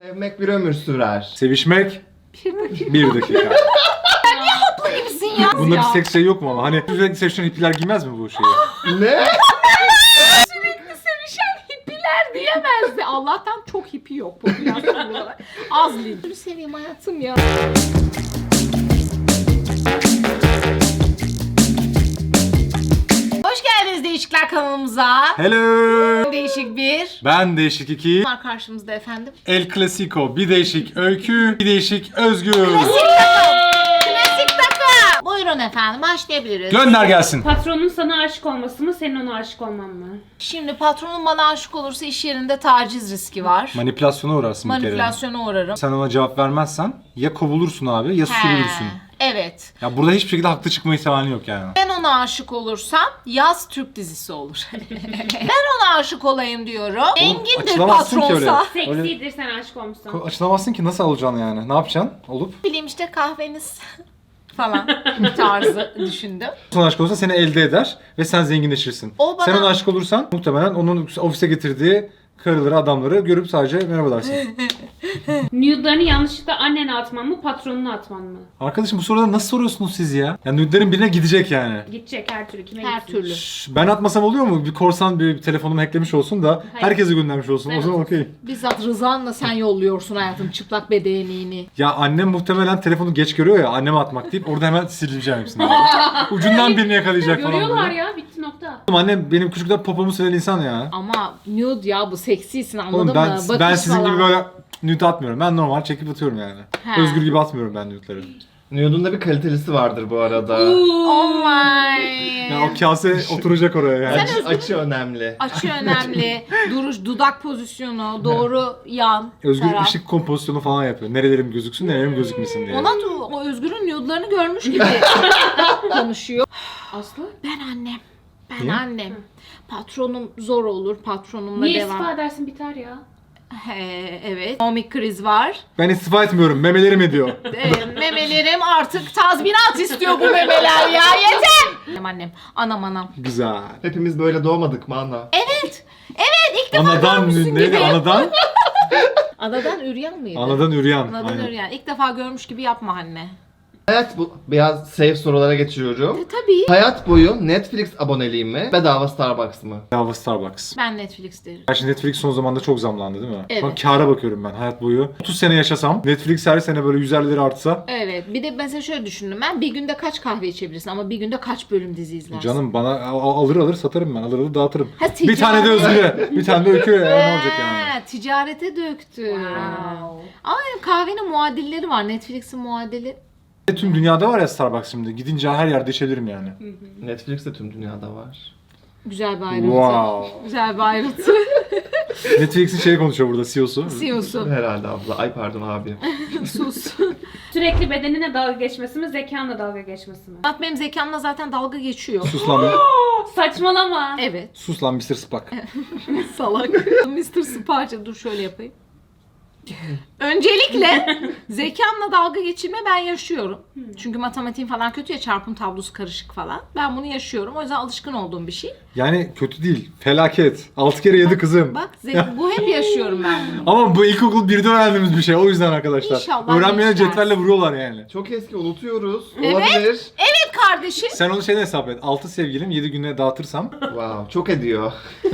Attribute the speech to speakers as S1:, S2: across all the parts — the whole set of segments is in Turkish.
S1: Sevmek bir ömür sürer.
S2: Sevişmek
S3: Bir dakika.
S2: 1 dakika.
S3: Haklı gibisin ya.
S2: Bunda bir seks şey yok mu ama? Hani sürekli sevişen hippiler giymez mi bu şeyi?
S1: Ne?
S3: Sürekli sevişen hippiler diyemezdi. Allah'tan çok hippi yok popülasyon olarak. Az değil. Dur seveyim hayatım ya. Hoş geldiniz Değişikler kanalımıza.
S2: Hello.
S3: Değişik bir.
S2: Ben Değişik 2.
S3: Var karşımızda efendim.
S2: El Clasico. Bir değişik öykü, bir değişik özgür.
S3: Klasik takım. Buyurun efendim başlayabiliriz.
S2: Gönder gelsin.
S4: Patronun sana aşık olması mı, senin ona aşık olman mı?
S3: Şimdi patronum bana aşık olursa iş yerinde taciz riski var.
S2: Manipülasyona uğrarsın bir kere.
S3: Manipülasyona uğrarım.
S2: Sen ona cevap vermezsen ya kovulursun abi ya sürülürsün.
S3: Evet.
S2: Ya burada hiçbir şekilde haklı çıkma ihtimali yok yani.
S3: Ben ona aşık olursam yaz Türk dizisi olur. Ben ona aşık olayım diyorum. Engindir
S2: açılamazsın ki öyle.
S3: patronsa.
S4: Seksidir sen aşık olmuşsun.
S2: Açılamazsın ki nasıl alacaksın yani? Ne yapacaksın olup?
S3: Bileyim işte kahveniz falan tarzı düşündüm.
S2: Son aşık olursa seni elde eder ve sen zenginleşirsin.
S3: O bana-
S2: Sen ona aşık olursan muhtemelen onun ofise getirdiği karıları, adamları görüp sadece merhaba dersin.
S4: Nude'larını yanlışlıkla annene atman mı, patronuna atman mı?
S2: Arkadaşım bu soruları nasıl soruyorsunuz siz ya? Ya nude'lerin birine gidecek yani.
S4: Gidecek her türlü, kime
S3: Her
S4: gitsin?
S3: türlü.
S2: Ben atmasam oluyor mu? Bir korsan bir telefonumu hacklemiş olsun da
S4: Hayır.
S2: herkese göndermiş olsun. O
S4: Evet.
S2: zaman okey.
S3: Bizzat rızanla sen yolluyorsun hayatım çıplak bedenini.
S2: Ya annem muhtemelen telefonu geç görüyor ya anneme atmak deyip orada hemen sileceğim hepsini. Ucundan birini yakalayacak falan
S4: Görüyorlar
S2: böyle.
S4: ya, bitti nokta.
S2: Annem benim küçükten popomu silen insan ya.
S3: Ama nude ya bu seksisin anladın
S2: Oğlum ben,
S3: mı? Bakış
S2: ben sizin
S3: falan.
S2: gibi böyle nude atmıyorum. Ben normal çekip atıyorum yani.
S3: He.
S2: Özgür gibi atmıyorum ben nude'ları.
S1: Nude'un da bir kalitelisi vardır bu arada.
S3: Oh my.
S2: Ya o kase oturacak oraya yani.
S1: Açı önemli.
S3: Açı önemli. Duruş, dudak pozisyonu, doğru yan.
S2: Özgür
S3: taraf.
S2: ışık kompozisyonu falan yapıyor. Nerelerim gözüksün, nerelerim gözükmesin diye.
S3: Ona da o Özgür'ün nude'larını görmüş gibi konuşuyor.
S4: Aslı?
S3: Ben annem. Ben
S2: Niye?
S3: annem. Patronum zor olur. Patronumla
S4: Niye
S3: devam.
S4: istifa edersin, biter ya?
S3: Evet. Komik kriz var.
S2: Ben istifa etmiyorum, memelerim ediyor.
S3: Memelerim artık tazminat istiyor bu memeler ya. Yeter. Annem. Anam.
S2: Güzel.
S1: Hepimiz böyle doğmadık mı ana?
S3: Evet. Evet ilk defa
S2: Anadan
S3: görmüşsün
S2: neydi?
S3: gibi.
S2: Anadan?
S3: Anadan üryan mıydı?
S2: Anadan üryan.
S3: Anadan
S2: Aynen.
S3: üryan. İlk defa görmüş gibi yapma anne.
S1: Hayat bu. Biraz safe sorulara geçiyorum.
S3: Tabii.
S1: Hayat boyu Netflix aboneliği mi? Bedava Starbucks mı?
S2: Bedava Starbucks.
S3: Ben Netflix derim.
S2: Gerçi Netflix son zamanda çok zamlandı değil mi?
S3: Evet.
S2: Şu an kâra bakıyorum ben hayat boyu. 30 sene yaşasam, Netflix her sene böyle 150'leri artsa.
S3: Evet. Bir de mesela şöyle düşündüm ben. Bir günde kaç kahve içebilirsin ama bir günde kaç bölüm dizi izlersin?
S2: Canım bana alır satarım ben. Alır dağıtırım.
S3: Ha,
S2: Bir tane de
S3: ticaret.
S2: Özgür'e, bir tane de Öykü'ye. Ne olacak yani?
S3: Ticarete döktü.
S4: Wow.
S3: Ama kahvenin muadilleri var. Netflix'in muadili.
S2: Tüm dünyada var ya Starbucks şimdi. Gidince her yerde içebilirim yani.
S1: Netflix de tüm dünyada var.
S3: Güzel bir ayrıntı.
S2: Wow.
S3: Güzel bir ayrıntı.
S2: Netflix'in şeyi konuşuyor burada CEO'su.
S3: CEO'su.
S1: Herhalde abla. Ay pardon abi.
S3: Sus.
S4: Sürekli bedenine dalga geçmesi mi, zekanla dalga geçmesi mi?
S3: Benim zekamla zaten dalga geçiyor.
S2: Sus lan.
S4: Saçmalama.
S3: Evet.
S2: Sus lan Mr. Spock.
S3: Salak. Mr. Sparta dur şöyle yapayım. Öncelikle zekamla dalga geçirme ben yaşıyorum. Çünkü matematiğim falan kötü ya, çarpım tablosu karışık falan. Ben bunu yaşıyorum. O yüzden alışkın olduğum bir şey.
S2: Yani kötü değil. Felaket. 6 kere 7 kızım.
S3: Bak bu hep yaşıyorum ben bunu.
S2: Ama bu ilkokul 1'de öğrendiğimiz bir şey. O yüzden arkadaşlar.
S3: İnşallah
S2: Öğrenmeyene
S3: geçmez.
S2: cetvelle vuruyorlar yani.
S1: Çok eski unutuyoruz.
S3: Evet.
S1: Olabilir.
S3: Evet kardeşim.
S2: Sen onu şeyden hesap et. 6 sevgilim 7 güne dağıtırsam.
S1: Wow. Çok ediyor.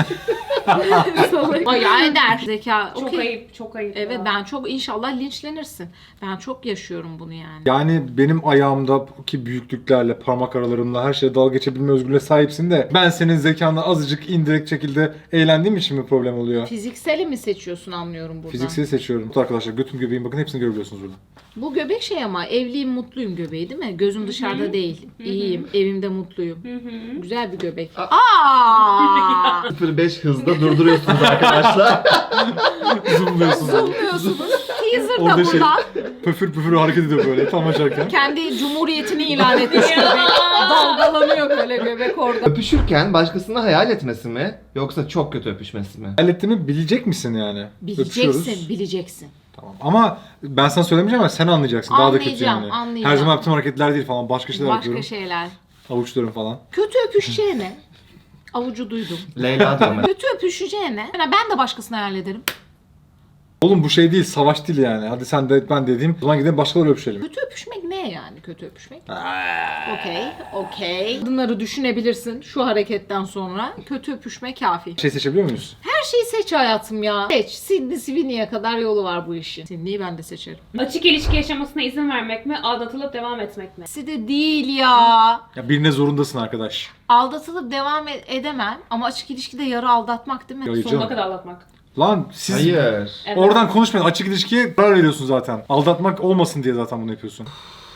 S3: Bayağı eder. Zeka.
S4: Çok
S3: okey.
S4: ayıp, çok ayıp.
S3: Evet
S4: ya.
S3: ben çok inşallah linçlenirsin. Ben çok yaşıyorum bunu yani.
S2: Yani benim ayağımdaki büyüklüklerle, parmak aralarımla her şeye dalga geçebilme özgürlüğüne sahipsin de ben senin zekanla azıcık indirekt şekilde eğlendiğim için mi problem oluyor?
S3: Fizikseli mi seçiyorsun anlıyorum buradan.
S2: Fizikseli seçiyorum. Arkadaşlar götüm göbeğim bakın hepsini görebiliyorsunuz burada.
S3: Bu göbek şey ama evliyim mutluyum göbeği değil mi? Gözüm dışarıda değil. İyiyim. Evimde mutluyum. Güzel bir göbek. Aa!
S1: 05 hızda durduruyorsunuz arkadaşlar.
S2: Zoomluyorsunuz.
S3: Zoomluyorsunuz. Teaser da
S2: Orada şey
S3: burada.
S2: pöfür pöfür hareket ediyor böyle tam açarken.
S3: Kendi cumhuriyetini ilan etmiş göbek. Dalgalanıyor böyle göbek orada.
S1: Öpüşürken başkasını hayal etmesi mi? Yoksa çok kötü öpüşmesi mi?
S2: Hallettiğimi bilecek misin yani? Öpüşüyoruz.
S3: Bileceksin, bileceksin.
S2: Tamam. Ama ben sana söylemeyeceğim ama sen anlayacaksın. Daha da kötü
S3: Anlayacağım,
S2: yani.
S3: anlayacağım.
S2: Her zaman yaptığım hareketler değil falan. Başka şeyler
S3: Başka
S2: yapıyorum.
S3: şeyler.
S2: Avuçlarım falan.
S3: Kötü öpüşeceğine. Avucu duydum.
S1: Leyla diyorum ben.
S3: Kötü öpüşeceğine. Yani ben de başkasını hayal ederim.
S2: Oğlum bu şey değil, savaş değil yani. Hadi sen de ben dediğim. O zaman gidelim başkaları öpüşelim.
S3: Kötü öpüşmek ne yani kötü öpüşmek? Okey. Kadınları düşünebilirsin şu hareketten sonra. Kötü öpüşme kafi.
S2: Şey seçebiliyor muyuz?
S3: Her şeyi seç hayatım ya. Seç. Sydney Sweeney'e kadar yolu var bu işin. Sydney'i ben de seçerim.
S4: Açık ilişki yaşamasına izin vermek mi? Aldatılıp devam etmek mi?
S3: İkisi de değil ya.
S2: Ya birine zorundasın arkadaş.
S3: Aldatılıp devam edemem ama açık ilişkide yarı aldatmak değil mi?
S2: Hayır
S4: Sonuna
S2: canım.
S4: kadar aldatmak.
S2: Lan siz
S1: Hayır.
S4: Evet.
S2: oradan konuşmayın. Açık ilişkiye karar veriyorsun zaten. Aldatmak olmasın diye zaten bunu yapıyorsun.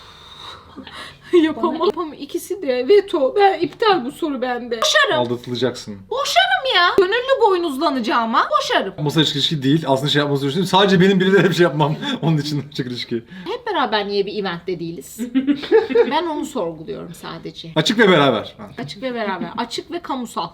S3: Yapamam. İkisi de veto. Ben iptal bu soru bende. Boşarım.
S2: Aldatılacaksın.
S3: Boşarım ya. Gönüllü boynuzlanacağıma boşarım.
S2: Yapması açık ilişki değil. Aslında şey yapması düşünüyorum. Sadece benim birilere bir şey yapmam. Onun için açık ilişki.
S3: Hep beraber niye bir eventte değiliz? Ben onu sorguluyorum sadece.
S2: Açık ve beraber.
S3: Açık ve beraber. Açık ve kamusal.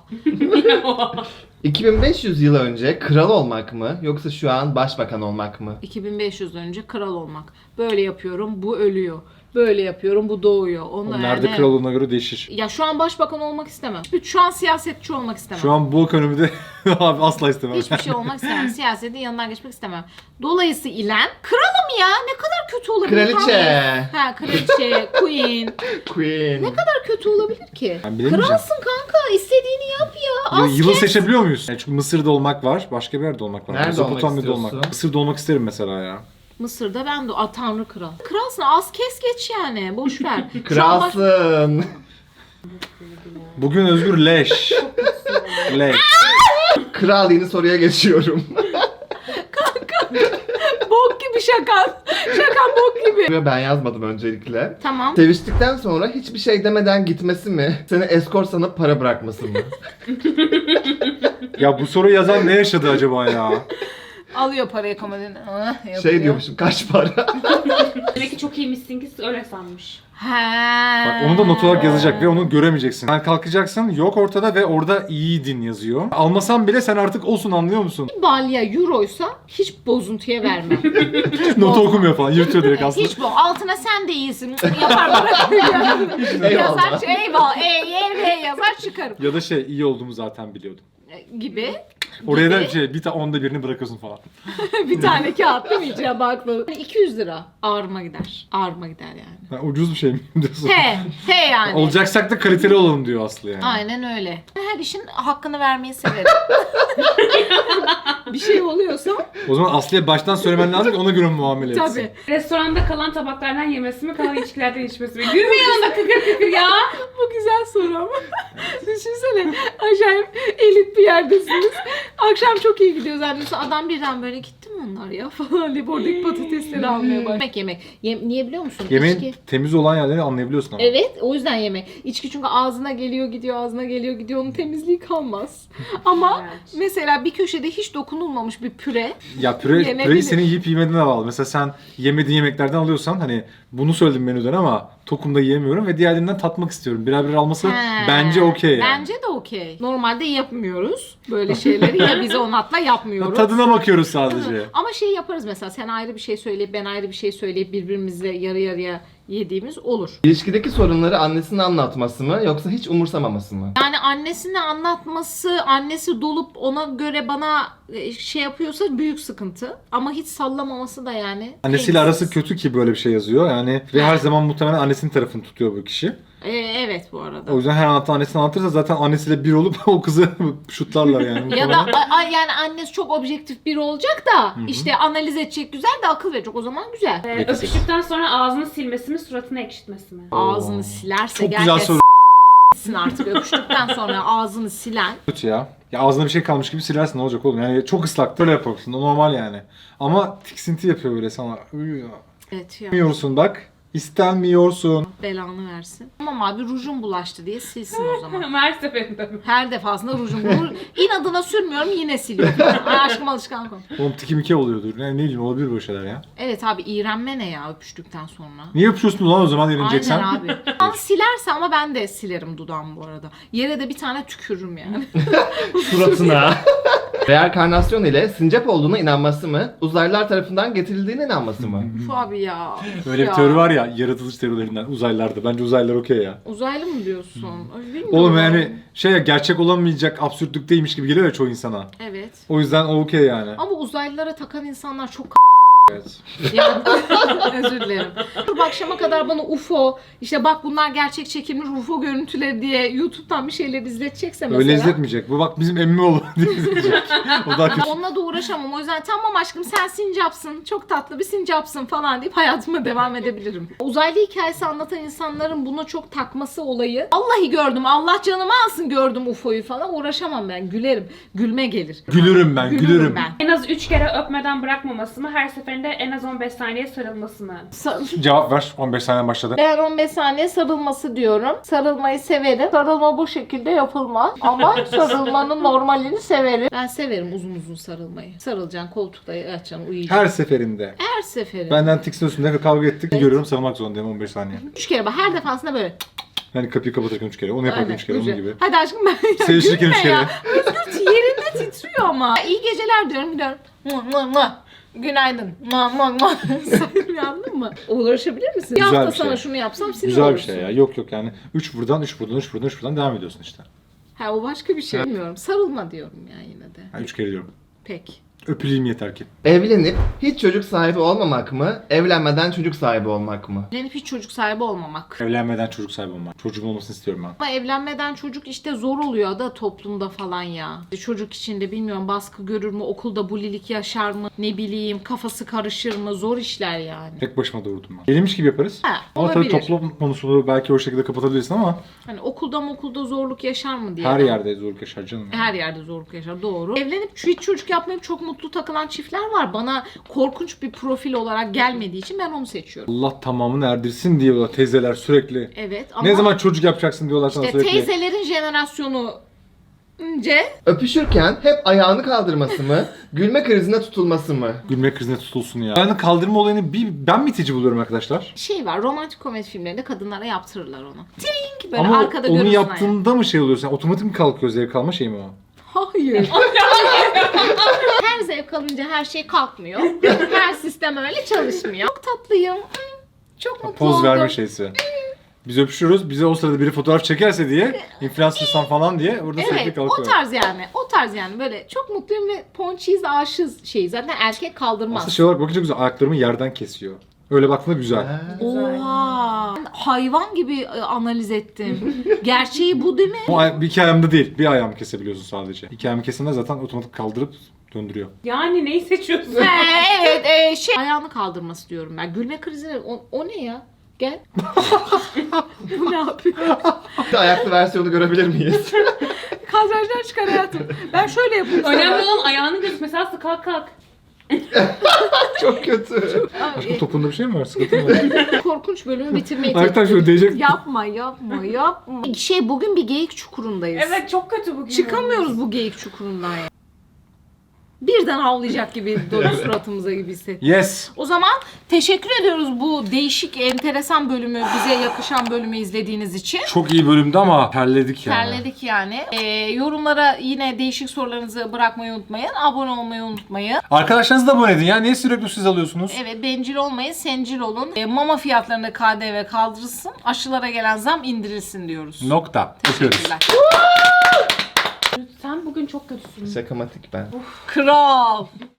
S1: 2500 yıl önce kral olmak mı yoksa şu an başbakan olmak mı?
S3: 2500 önce kral olmak. Böyle yapıyorum, bu ölüyor. Böyle yapıyorum, bu doğuyor. Onlar
S2: Nerede
S3: yani...
S2: kral olduğuna göre değişir.
S3: Ya şu an başbakan olmak istemem. Şu an siyasetçi olmak istemem.
S2: Şu an bu ekonomide abi asla istemem.
S3: Hiçbir şey olmak istemem. Siyasetin yanından geçmek istemem. Dolayısıyla kralım ya. Ne kadar kötü olabilir?
S1: Kraliçe.
S3: Ha kraliçe, queen.
S1: Queen.
S3: Ne kadar kötü olabilir ki?
S2: Ben bilemeyeceğim.
S3: Kralsın kanka. İstediğini yap ya. Az
S2: Yılı
S3: kes.
S2: seçebiliyor muyuz? Yani çünkü Mısır'da olmak var, başka bir yerde olmak var.
S1: Nerede olmak
S2: Mezopotamya'da
S1: istiyorsun?
S2: Mısır'da olmak isterim mesela ya.
S3: Mısır'da ben de tanrı kral. Kralsın az kes geç yani. Boş ver. Şu an baş-
S1: Kralsın.
S2: Bugün Özgür leş. Leş.
S1: Kral yeni soruya geçiyorum.
S3: Bok gibi şakan. Şakan bok gibi.
S1: Ben yazmadım öncelikle.
S3: Tamam.
S1: Seviştikten sonra hiçbir şey demeden gitmesi mi? Seni eskort sanıp para bırakması mı?
S2: Ya bu soruyu yazan ne yaşadı acaba ya?
S3: Alıyor parayı komodini.
S1: Şey diyormuşum, kaç para?
S4: Demek ki çok iyiymişsin ki öyle sanmış.
S3: He.
S2: Bak onu da not olarak yazacak ve onu göremeyeceksin. Sen kalkacaksın, yok ortada ve orada iyiydin yazıyor. Almasan bile sen artık olsun, anlıyor musun?
S3: Balya euroysa hiç bozuntuya vermem.
S2: Notu okumuyor falan, yırtıyor direkt aslında.
S3: Hiç bu. Altına sen de iyisin. Yapar bırakır. Yazar eyvallah. Yazar çıkarım.
S2: Ya da şey, iyi olduğumu zaten biliyordum.
S3: Gibi.
S2: Oraya da
S3: Gibi.
S2: şey, onda birini bırakıyorsun falan.
S3: Bir tane kağıt değil mi? İçine bakmalı. 200 lira. Ağrıma gider. Ağrıma gider yani.
S2: Ha, ucuz bir şey mi diyorsun?
S3: He yani.
S2: Olacaksak da kaliteli olalım diyor Aslı yani.
S3: Aynen öyle. Her işin hakkını vermeyi severim. Bir şey oluyorsa
S2: O zaman Aslı'ya baştan söylemen lazım ki ona göre muamele etsin.
S3: tabii.
S4: Restoranda kalan tabaklardan yemesi mi, kalan içkilerden içmesi mi? Gülmeyin da kıkır kıkır ya.
S3: Bu güzel soru ama. Düşünsene acayip elit bir yerdesiniz. Akşam çok iyi gidiyoruz annesi. Adam birden böyle gitti mi onlar ya falan deyip oradaki patatesleri almaya başlıyor. Yemek. Niye biliyor musun?
S2: Yemeğin
S3: İçki.
S2: temiz olan yerlerini anlayabiliyorsun ama.
S3: Evet o yüzden yemek. İçki çünkü ağzına geliyor gidiyor ağzına geliyor gidiyor onun temizliği kalmaz. Ama
S4: Evet.
S3: mesela bir köşede hiç dokunulmamış bir püre.
S2: Ya
S3: Yenebilir.
S2: püreyi senin yiyip yemediğine bağlı. Mesela sen yemediğin yemeklerden alıyorsan hani bunu söyledim menüden ama tokumda yiyemiyorum ve diğerlerinden tatmak istiyorum. Birer birer alması
S3: He.
S2: bence okey yani.
S3: Bence de okey. Normalde yapmıyoruz böyle şeyleri ya biz onatla yapmıyoruz.
S2: Tadına bakıyoruz sadece.
S3: Ama şey yaparız mesela sen ayrı bir şey söyleyip ben ayrı bir şey söyleyip birbirimizle yarı yarıya yediğimiz olur.
S1: İlişkideki sorunları annesine anlatması mı yoksa hiç umursamaması mı?
S3: Yani annesine anlatması, annesi dolup ona göre bana şey yapıyorsa büyük sıkıntı. Ama hiç sallamaması da yani.
S2: Annesiyle
S3: keyifsiz.
S2: arası kötü ki böyle bir şey yazıyor. Yani ve her zaman muhtemelen annesinin tarafını tutuyor bu kişi.
S3: Evet bu arada.
S2: O yüzden her anlattığı annesini anlatırsa zaten annesiyle bir olup o kızı şutlarlar yani.
S3: Ya da yani annesi çok objektif biri olacak da işte analiz edecek güzel de akıl verecek o zaman güzel.
S4: Öpüştükten sonra ağzını silmesi mi, suratını ekşitmesi mi?
S3: Ağzını silerse
S2: Çok
S3: gel
S2: güzel
S3: de
S2: soru.
S3: s**sin artık öpüştükten sonra ağzını silen.
S2: Kötü ya. Ya ağzına bir şey kalmış gibi silersin, ne olacak oğlum? Yani çok ıslak böyle yaparsın. O normal yani. Ama tiksinti yapıyor böyle sana.
S3: Evet ya.
S2: İstemiyorsun bak. İstenmiyorsun.
S3: Belanı versin. Tamam abi rujum bulaştı diye silsin o zaman.
S4: Her seferinde mi?
S3: Her defasında rujum. İnadına sürmüyorum yine siliyorum. Ay aşkım alışkanlık oldu.
S2: Oğlum tiki miki oluyordur. Ne bileyim, olabilir böyle şeyler ya.
S3: Evet abi iğrenme ne ya öpüştükten sonra.
S2: Niye yapıyorsun lan o zaman yenileceksen?
S3: Aynen abi. Ben silerse ama ben de silerim dudağımı bu arada. Yere de bir tane tükürürüm yani.
S1: Suratına. Reenkarnasyon ile sincap olduğuna inanması mı? Uzaylılar tarafından getirildiğine inanması mı?
S3: Uf abi ya. Uf
S2: Öyle bir
S3: ya.
S2: teori var ya, yaratılış teorilerinden uzaylılarda. Bence uzaylılar okey ya.
S3: Uzaylı mı diyorsun? Ay, bilmiyorum.
S2: Oğlum yani şey ya, gerçek olamayacak absürtlükteymiş gibi geliyor ya çoğu insana.
S3: Evet.
S2: O yüzden o okey yani.
S3: Ama uzaylılara takan insanlar çok
S2: Evet.
S3: yani özür dilerim. Bu akşama kadar bana UFO, işte bak bunlar gerçek çekilmiş UFO görüntüleri diye YouTube'dan bir şeyler izletecekse mesela.
S2: Öyle izletmeyecek. Bu bak bizim emmi oğlu diye izletecek. O daha kötü.
S3: Onunla da uğraşamam. O yüzden tamam aşkım sen sincapsın, çok tatlı bir sincapsın falan deyip hayatıma devam edebilirim. Uzaylı hikayesi anlatan insanların buna çok takması olayı. Vallahi gördüm, Allah canımı alsın gördüm UFO'yu falan, uğraşamam ben. Gülerim. Gülme gelir.
S2: Gülürüm ben, gülürüm.
S3: ben.
S4: En az 3 kere öpmeden bırakmaması mı? Her seferinde en az 15 saniye sarılması mı?
S2: Cevap ver. 15 saniye başladı.
S3: Ben 15 saniye sarılması diyorum. Sarılmayı severim. Sarılma bu şekilde yapılmaz. Ama sarılmanın normalini severim. Ben severim uzun uzun sarılmayı. Sarılacaksın, koltukta yatacaksın, uyuyacaksın.
S2: Her seferinde.
S3: Her seferinde.
S2: Benden tiksiniyorsun ve kavga ettik. Görüyorum, sarılmak zorundayım 15 saniye.
S3: 3 kere bak, her defasında böyle.
S2: Yani kapıyı kapatırken 3 kere. Onu yaparken
S3: Aynen,
S2: 3 kere. Onun
S3: güzel.
S2: gibi.
S3: Hadi aşkım ben
S2: Sevişirken
S3: gülme
S2: 3 kere.
S3: ya. Özgür yerinde titriyor ama. İyi geceler diyorum, gidiyorum. Mua, mua, mua. Günaydın. Mua, mua, mua. Sen uyandın mı? Uğraşabilir misin? Bir
S2: Güzel
S3: hafta
S2: bir şey.
S3: sana şunu yapsam sinir
S2: Güzel bir
S3: olursun.
S2: şey ya. Yok yok yani. 3 buradan, 3 buradan, 3 buradan, 3 buradan devam ediyorsun işte.
S3: Ha, o başka bir şey. Bilmiyorum. Sarılma diyorum ya yine de.
S2: Yani 3 kere diyorum.
S3: Peki.
S2: Öpüleyim yeter ki.
S1: Evlenip hiç çocuk sahibi olmamak mı? Evlenmeden çocuk sahibi olmak mı?
S3: Evlenip hiç çocuk sahibi olmamak.
S2: Evlenmeden çocuk sahibi olmak. Çocuğum olmasını istiyorum ben.
S3: Ama evlenmeden çocuk işte zor oluyor da toplumda falan ya. Çocuk içinde bilmiyorum baskı görür mü, okulda bulilik yaşar mı, ne bileyim kafası karışır mı, zor işler yani.
S2: Tek başıma doğurdum ben. Gelmiş gibi yaparız.
S3: Ha,
S2: Ama tabii
S3: olabilir.
S2: toplum konusunu belki o şekilde kapatabilirsin ama
S3: Hani okulda zorluk yaşar mı diye.
S2: her
S3: ben-
S2: yerde zorluk yaşar canım.
S3: Her yerde zorluk yaşar, doğru. Evlenip hiç çocuk yapmayıp çok mutlu takılan çiftler var. Bana korkunç bir profil olarak gelmediği için ben onu seçiyorum.
S2: Allah tamamını erdirsin diyorlar teyzeler sürekli.
S3: Evet ama
S2: Ne zaman çocuk yapacaksın diyorlar sana
S3: işte
S2: sürekli.
S3: teyzelerin jenerasyonu önce
S1: Öpüşürken hep ayağını kaldırması mı? Gülme krizine tutulması mı?
S2: Gülme krizine tutulsun ya. Yani kaldırma olayını ben mi itici buluyorum arkadaşlar?
S3: şey var, romantik komedi filmlerinde kadınlara yaptırırlar onu. Tink böyle
S2: Ama
S3: arkada
S2: onu
S3: görürsün
S2: yaptığında mı şey oluyorsun? Yani otomatik mi kalkıyor zevk alma şey mi o?
S3: Hayır. Her zevk alınca her şey kalkmıyor. Her sistem öyle çalışmıyor. Çok tatlıyım. Çok mutlu
S2: Poz
S3: oldum.
S2: verme şeysi. Biz öpüşüyoruz. Bize o sırada biri fotoğraf çekerse diye, influencersan falan diye orada sürekli
S3: Evet,
S2: kalkıyor.
S3: o tarz yani. O tarz yani böyle çok mutluyum ve ponçiyiz aşığız şey. Zaten erkek kaldırmaz.
S2: Aslında şey olarak bakınca güzel. Ayaklarımı yerden kesiyor. Öyle baktığında güzel.
S3: Oha. Ben hayvan gibi analiz ettim. Gerçeği bu değil mi?
S2: Bir iki ayağımda değil. Bir ayağımı kesebiliyorsun sadece. İki ayağımı kesenler zaten otomatik kaldırıp döndürüyor.
S4: Yani neyi seçiyorsun?
S3: Evet, şey ayağını kaldırması diyorum ben. Gülme krizine o ne ya? Gel. Bu ne yapıyor?
S1: Bir de ayaklı versiyonu görebilir miyiz?
S3: Kadrajdan çıkar hayatım. Ben şöyle yapayım sana.
S4: Önemli olan ayağını göz. Mesela kalk kalk.
S1: Çok kötü.
S2: Aşkım topunda bir şey mi var? Sıkıntı mı var?
S3: Korkunç bölümü bitirmeyi
S2: Ayaktan şöyle değecek.
S3: Yapma. Şey bugün bir geyik çukurundayız.
S4: Evet çok kötü bugün.
S3: Çıkamıyoruz bu geyik çukurundan ya. Birden havlayacak gibi dolu suratımıza gibi hissettim.
S2: Yes.
S3: O zaman teşekkür ediyoruz bu değişik, enteresan bölümü, bize yakışan bölümü izlediğiniz için.
S2: Çok iyi bölümdü ama terledik yani.
S3: Terledik yani. Yorumlara yine değişik sorularınızı bırakmayı unutmayın. Abone olmayı unutmayın.
S2: Arkadaşlarınızı da abone edin ya. Niye sürekli siz alıyorsunuz?
S3: Evet, bencil olmayın, sencil olun. Mama fiyatlarında KDV kaldırılsın. Aşılara gelen zam indirilsin diyoruz.
S2: Nokta. Öpüyoruz.
S3: Teşekkürler.
S4: Sen bugün çok kötüsün.
S1: Şakamatik ben.
S3: Kral.